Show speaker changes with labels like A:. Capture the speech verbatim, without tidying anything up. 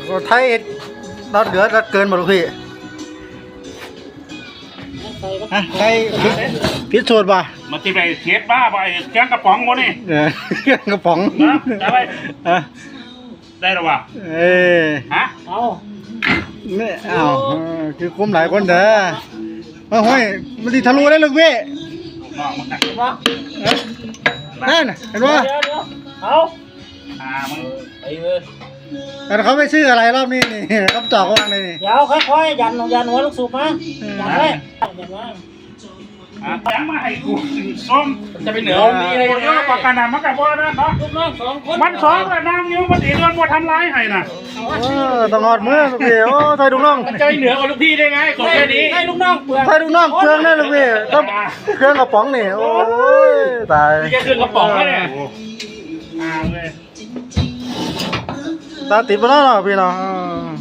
A: ไทยรอดเหลือรอดเกินหมดลูกพี่ฮะใครพิสูจน์ป่ะ
B: มาที่ไปเทียบบ้าไปแกงกระป๋องวะนี่
A: เออกระป๋อง
B: นะจะไปได้หรอวะ
A: เอ้
B: ฮะ
C: เอา
A: เนี่ยอ้าวคือคุ้มหลายคนเด้อมาห้อยมันสิทะลุได้ลูกพี่
B: น้องมัน
C: เห็นปะ
A: นั่นเห็นปะ
C: เดี๋ยวเดี๋ยวเอา
B: อ่ามึง
C: ไปเลย
A: แต่เขาไม่ชื่ออะไรรอบนี้นี่คำตอบเขาว่าไงนี่
C: เดี๋ยวค่อยๆยันยันหัวลูกสูบมายันไว้ยันไว้
B: อ่ะยังมาให้กูส้ม
C: จะไปเหนือมีอะไร
B: เยอะกว่ากันนะมันกับว่านั่นเนาะ
C: ลูกน้องสองคน
B: มันสองเลยนางยิ้มมันอีเดือนว่าทำร้ายให้น่ะ
A: เออต้องหอดมือลูกพี่โอ้ไทยลูกน้อง
C: มันจะไปเหนือกว่าลูกพี่ได้ไงของแค่นี้ให้ลูกน้องเปลือก
A: ไทยลูกน้องเครื่องนั่นลูกพี่ต้องเครื่องกระป๋องนี่โอ้ยตาย
C: นี่แค่เครื่องกระป๋องเนี่ย
B: อ่าเลย
A: ตาติดไปแล้วเนาะพี่เนาะ